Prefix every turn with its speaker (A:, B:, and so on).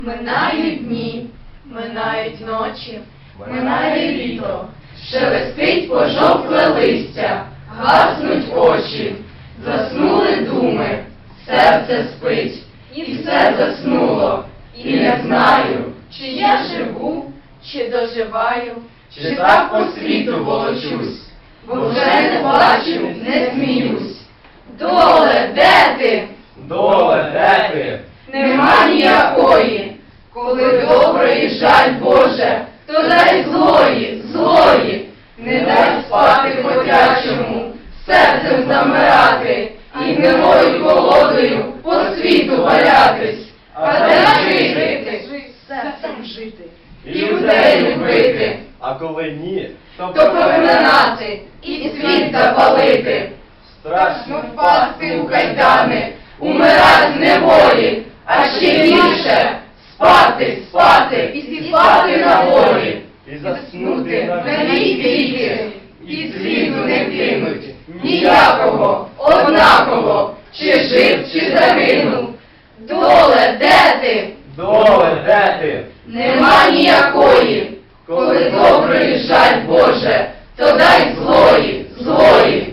A: Минають дні, минають ночі, минає літо, шелестить пожовкле листя, гаснуть очі, заснули думи, серце спить, і все заснуло, і не знаю, чи я живу, чи доживаю, чи так по світу волочусь, бо вже не плачу, не сміюсь. Доле, де ти?
B: Доле, де ти?
A: Нема ніякої, коли доброї жаль Боже, то дай злої, злої, не дай спати хотячому, серцем замирати і гнилою колодою по світу валятись. А де жити? Серцем жити. І людей любити,
B: А коли ні,
A: то поминати і світ запалити.
B: страшно
A: Впасти у кайдани, умирать з неволі, а ще більше спати, спати і спати на волі.
B: і заснути
A: На віки, і світу не кинуть ніякого, однаково, чи жив, чи загинув. Доле, де ти?
B: Доле, де ти?
A: Нема ніякої, коли доброї жаль Боже, то дай злої, злої.